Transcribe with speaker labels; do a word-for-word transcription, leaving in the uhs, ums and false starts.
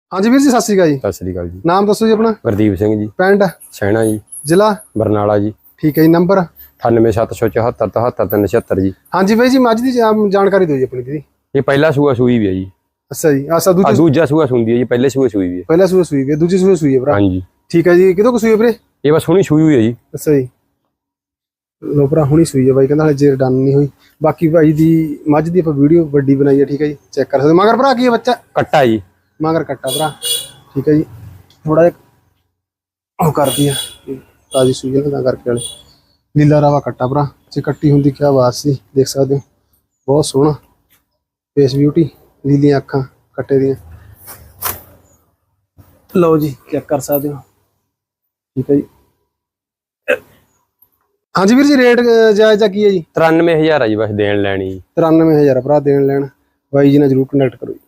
Speaker 1: ਹਾਂਜੀ ਵੀਰ ਜੀ ਸਤਿ ਸ਼੍ਰੀ ਅਕਾਲ ਜੀ।
Speaker 2: ਸਤਿ ਸ੍ਰੀ ਅਕਾਲ ਜੀ।
Speaker 1: ਨਾਮ ਦੱਸੋ ਜੀ ਆਪਣਾ?
Speaker 2: ਗੁਰਦੀਪ ਸਿੰਘ ਜੀ,
Speaker 1: ਪਿੰਡ
Speaker 2: ਸੈਣਾ ਜੀ,
Speaker 1: ਜ਼ਿਲ੍ਹਾ
Speaker 2: ਬਰਨਾਲਾ ਜੀ।
Speaker 1: ਠੀਕ ਹੈ ਜੀ। ਨੰਬਰ
Speaker 2: ਅਠਾਨਵੇਂ ਸੱਤ ਸੌ ਚੌਹੱਤਰ ਤਹੱਤਰ ਤਿੰਨ ਛਿਅੱਤਰ ਜੀ।
Speaker 1: ਹਾਂਜੀ ਬਾਈ ਜੀ ਮੱਝ ਦੀ ਜਾ- ਜਾਣਕਾਰੀ ਦਿਓ ਜੀ ਆਪਣੀ ਦੀਦੀ।
Speaker 2: ਇਹ ਪਹਿਲਾ ਸੂਆ ਸੂਈ ਵੀ ਹੈ ਜੀ।
Speaker 1: ਅੱਛਾ ਜੀ। ਆਸਾ
Speaker 2: ਆ
Speaker 1: ਦੂਜੀ
Speaker 2: ਦੂਜਾ ਸੂਆ ਸੁੰਦੀ ਹੈ ਜੀ, ਪਹਿਲੇ ਸੂਆ ਸੂਈ ਵੀ ਹੈ।
Speaker 1: ਪਹਿਲਾ ਸੂਆ ਸੂਈ ਵੀ ਹੈ, ਦੂਜੀ ਸੂਆ ਸੂਈ ਹੈ ਭਰਾ।
Speaker 2: ਹਾਂਜੀ
Speaker 1: ਠੀਕ ਹੈ ਜੀ। ਕਿਦੋਂ ਕੁ ਸੂਈ ਹੈ ਵੀਰੇ?
Speaker 2: ਇਹ ਬਸ ਹੁਣੀ ਸੂਈ ਹੋਈ ਹੈ ਜੀ।
Speaker 1: ਅੱਛਾ ਜੀ। ਲੋ ਭਰਾ ਹੁਣੀ ਸੂਈ ਹੈ ਬਾਈ ਕਹਿੰਦਾ ਹਲੇ ਜੇਰ ਡਨ ਨਹੀਂ ਹੋਈ। ਬਾਕੀ ਭਾਈ ਦੀ ਮੱਝ ਦੀ ਆਪਾਂ ਵੀਡੀਓ ਵੱਡੀ ਬਣਾਈ ਹੈ। ਠੀਕ ਹੈ ਜੀ, ਚੈੱਕ ਕਰ ਸਕਦੇ ਹੋ। ਮਗਰ ਭਰਾ ਕੀ ਹੈ ਬੱਚਾ?
Speaker 2: ਕੱਟਾ ਜੀ।
Speaker 1: ਮਗਰ ਕੱਟਾ ਭਰਾ। ਠੀਕ ਹੈ ਜੀ। ਥੋੜਾ ਜਿਹਾ ਉਹ ਕਰਦੀ ਆ ਤਾਜੀ ਸੂਈ ਨਾ ਤਾਂ ਕਰਕੇ ਵਾਲੇ ਲੀਲਾ ਰਾਵਾ ਕੱਟਾ ਭਰਾ ਜੇ ਕੱਟੀ ਹੁੰਦੀ ਕਿਆ ਬਾਤ ਸੀ। ਦੇਖ ਸਕਦੇ ਹੋ ਬਹੁਤ ਸੋਹਣਾ ਫੇਸ ਬਿਊਟੀ, ਲੀਲੀਆਂ ਅੱਖਾਂ ਕੱਟੇ ਦੀਆਂ। ਲਓ ਜੀ ਚੈੱਕ ਕਰ ਸਕਦੇ ਹੋ। ਠੀਕ ਹੈ ਜੀ। ਹਾਂਜੀ ਵੀਰ ਜੀ ਰੇਟ ਜਾਇਜ਼ ਦਾ ਕੀ ਹੈ ਜੀ?
Speaker 2: ਤਰਾਨਵੇਂ ਹਜ਼ਾਰ ਆ ਜੀ ਬਸ ਦੇਣ ਲੈਣੀ ਜੀ।
Speaker 1: ਤਰਾਨਵੇਂ ਹਜ਼ਾਰ ਭਰਾ ਦੇਣ ਲੈਣ। ਬਾਈ ਜੀ ਨਾਲ ਜਰੂਰ ਕੰਟੈਕਟ ਕਰੋ ਜੀ।